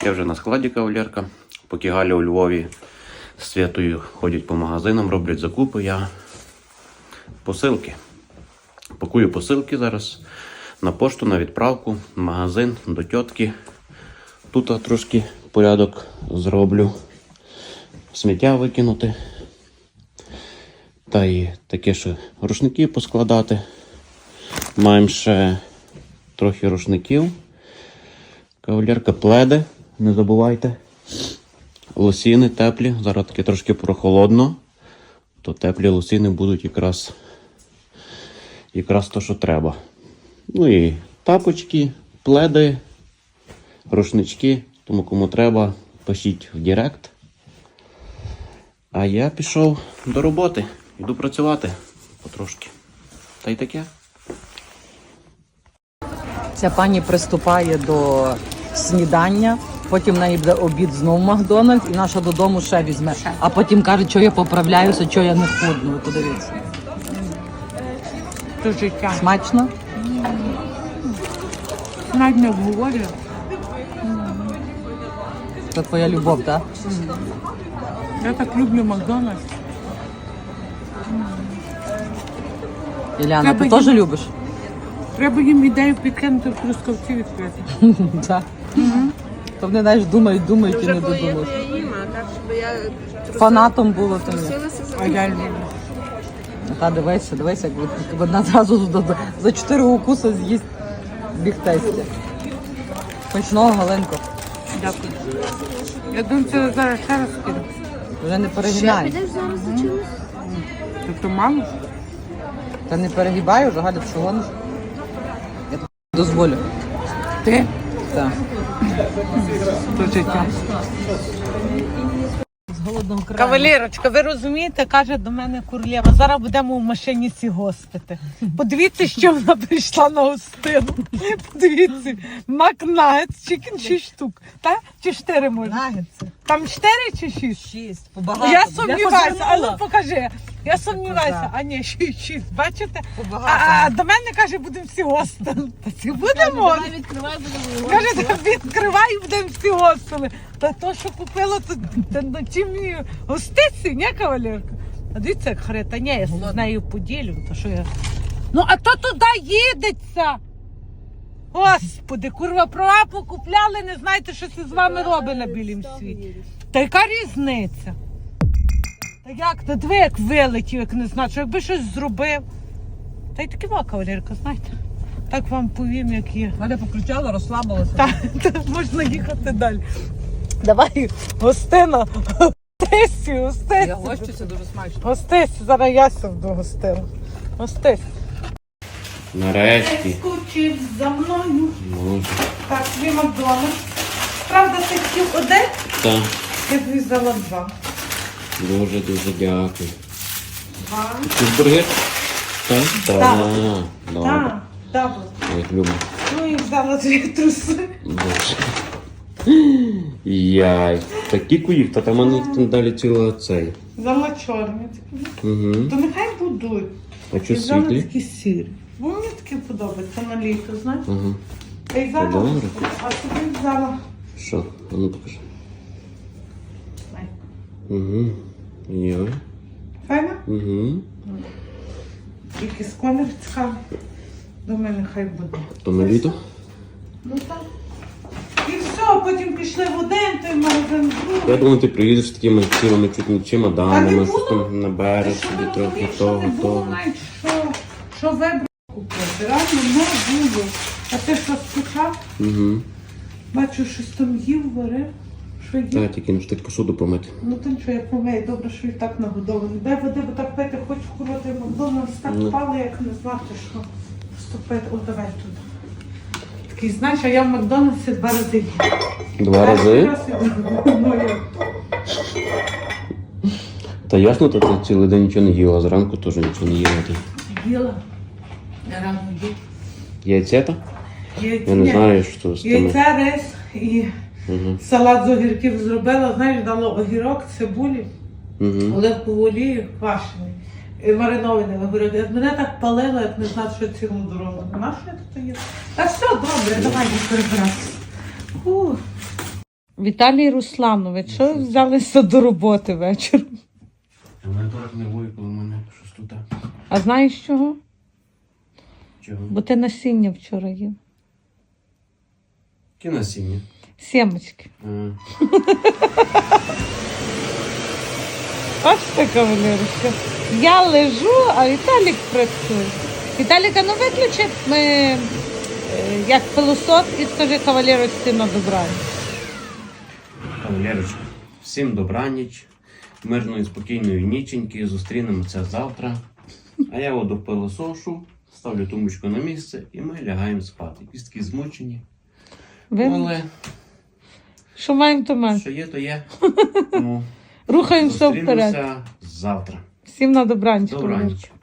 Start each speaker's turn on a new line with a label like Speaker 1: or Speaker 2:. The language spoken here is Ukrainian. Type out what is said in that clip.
Speaker 1: Я вже на складі, кавалерка. Поки Галя у Львові з Святою ходять по магазинам, роблять закупи, я посилки. Пакую посилки зараз на пошту, на відправку, в магазин, до тьотки. Тут трошки порядок зроблю. Сміття викинути. Та й таке, що рушники поскладати. Маємо ще трохи рушників. Кавалерка, пледи, не забувайте. Лосіни теплі. Зараз таки трошки прохолодно. То теплі лосіни будуть якраз то, що треба. Ну і тапочки, пледи, рушнички. Тому кому треба, пишіть в директ. А я пішов до роботи. Йду працювати потрошки. Та й таке.
Speaker 2: Ця пані приступає до снідання, потім в неї буде обід знову в Макдональдс, і наша додому ще візьме. А потім каже, що я поправляюся, що я не худну. Ви подивіться.
Speaker 3: Це життя.
Speaker 2: Смачно?
Speaker 3: Навіть не обговорюю.
Speaker 2: Це твоя любов, так?
Speaker 3: Я так люблю Макдональдс.
Speaker 2: Іляна, ти
Speaker 3: Треба
Speaker 2: теж
Speaker 3: їм-
Speaker 2: любиш?
Speaker 3: Треба їм ідею підкинути в Трускавці відкрити.
Speaker 2: Так. То вони, знаєш, думають і не додумають.
Speaker 4: Я їм, а так, щоб я
Speaker 2: Фанатом було то ні.
Speaker 4: трусилася за
Speaker 3: А я люблю.
Speaker 2: Та дивися, як вона зразу за 4 укуси з'їсть бігтейське. Смачного, Галенко.
Speaker 3: Дякую. Я думаю, це зараз ще раз кину.
Speaker 2: Вже не перегинай.
Speaker 4: Підеш зараз за чимось?
Speaker 3: Тобто мало?
Speaker 2: Та не перегибай вже, Галя, ти що гониш? Я тобі дозволю.
Speaker 3: Ти?
Speaker 2: Так.
Speaker 3: Це життя.
Speaker 2: З голодного краю.
Speaker 3: Кавалерочка, ви розумієте, каже до мене Курлєва, зараз будемо в машині сі гостити. Подивіться, що вона прийшла на гостину. Подивіться, Макнагетс, чикен 6 штук. Та? Чи 4 може?
Speaker 2: Нагетси.
Speaker 3: Там 4 чи 6?
Speaker 2: 6. Побагато.
Speaker 3: Я сумніваюся, а ну
Speaker 2: позирнула.
Speaker 3: покажи. Я сумніваюся,
Speaker 2: Покажи.
Speaker 3: а ні, 6, бачите?
Speaker 2: Побагато.
Speaker 3: А до мене каже, будемо всі гостили. Та це будемо. Каже, відкривай і будемо всі гостили. Та то, що купила, то на чим її гостиці, ні, кавалерка? А дивіться, як хрета, ні, я з нею поділю, то що я... Ну, а то туди їдеться. Господи, курва, права покупляли, не знаєте, що це з вами робить на білім світі. Та яка різниця? Та як, та диви, як вилетів, як не знаю, що якби щось зробив. Та й таки ва, кавалерка, знаєте. Так вам повім, як є.
Speaker 2: Галя покричала, розслабилася.
Speaker 3: Та можна їхати далі. Давай, гостина. Гостесі.
Speaker 2: Я гощуся дуже смачно.
Speaker 3: Гостесі, зараз я сяду гостину. Гостесі.
Speaker 1: Нарешті.
Speaker 3: Скучив за мною.
Speaker 1: Може.
Speaker 3: Так, дві Макдональдс. Правда, ти хотів один?
Speaker 1: Так.
Speaker 3: Я тобі взяла 2.
Speaker 1: Дуже дякую.
Speaker 3: 2.
Speaker 1: Чизбургер? Так?
Speaker 3: Так.
Speaker 1: Добре.
Speaker 3: Так, дабл.
Speaker 1: Як люблю.
Speaker 3: Ну і взяла 2 труси.
Speaker 1: Боже. Яй. Такі куїв, та там вони там далі ціла цей.
Speaker 3: Взяла чорні.
Speaker 1: Угу.
Speaker 3: То нехай будуть.
Speaker 1: А
Speaker 3: І
Speaker 1: що
Speaker 3: взяла
Speaker 1: світлі?
Speaker 3: такі сірі. Бо мені такі подобаються на літо, знаєш.
Speaker 1: Ага.
Speaker 3: А й взяла,
Speaker 1: Добре.
Speaker 3: а собі взяла.
Speaker 1: Що? А ну покажи.
Speaker 3: Ай.
Speaker 1: Угу. Яй.
Speaker 3: Файна?
Speaker 1: Угу.
Speaker 3: Якийсь колір цікавий. Думаю, нехай буде.
Speaker 1: То на літо?
Speaker 3: Ну так. І все, потім пішли в один, той магазин
Speaker 1: Я
Speaker 3: другий.
Speaker 1: думаю, ти приїдеш з такими цілими чуть не
Speaker 3: Та не
Speaker 1: чемоданами,
Speaker 3: буду.
Speaker 1: щось там набереш
Speaker 3: Що
Speaker 1: собі
Speaker 3: ви
Speaker 1: трохи
Speaker 3: робите, що
Speaker 1: того,
Speaker 3: не було,
Speaker 1: того.
Speaker 3: навіть що вибрав купити. Реально не було. А ти що скучав?
Speaker 1: Угу.
Speaker 3: Бачу, щось там їв, варив. Що їв?
Speaker 1: Та тільки не встиг посуду помити.
Speaker 3: Ну то нічого, я помию, добре, що і так нагодований. Дай води, бо так пити, хочу курити Макдональдс, так
Speaker 1: Ну.
Speaker 3: впали, як не знати, що вступити. О, давай туди. Такий, знаєш, а я в Макдональдсі 2 рази їм.
Speaker 1: 2 рази?
Speaker 3: Раз іду. Ну, я.
Speaker 1: Та ясно, то ти цілий день нічого не їла, зранку теж нічого не їла. Ти.
Speaker 3: Їла. Я рано їв.
Speaker 1: Яйцята? Я не
Speaker 3: Ні.
Speaker 1: знаю, що з тими.
Speaker 3: Яйця, рис і
Speaker 1: Угу.
Speaker 3: салат з огірків зробила. Знаєш, дала огірок, цибулі,
Speaker 1: Угу.
Speaker 3: оливкову олію, квашений. І маринований огірок. Мене так палило, як не знати, що цілу дорогу. На що я тут їла? Та все, добре, давай не перебиратися. Віталій Русланович, що ви взялися до роботи вечором?
Speaker 1: Мене трохи нервує, коли в мене щось тут.
Speaker 3: А знаєш чого?
Speaker 1: Чого?
Speaker 3: Бо ти насіння вчора їв.
Speaker 1: Які насіння?
Speaker 3: Сімочки.
Speaker 1: А,
Speaker 3: Бачите, кавалерочка? Я лежу, а Віталік працює. Віталіка, ну виключи як пилосос і скажи кавалерочці на добраніч.
Speaker 1: Кавалерочка, всім добраніч, мирної, спокійної ніченьки, зустрінемося завтра. А я воду пилосошу, ставлю тумбочку на місце і ми лягаємо спати. Кістки змучені, але
Speaker 3: Що маємо, то маємо.
Speaker 1: що є, то є. Тому
Speaker 3: Рухаємося вперед.
Speaker 1: зустрінемося завтра.
Speaker 3: Всім на добраніч.
Speaker 1: Добраніч.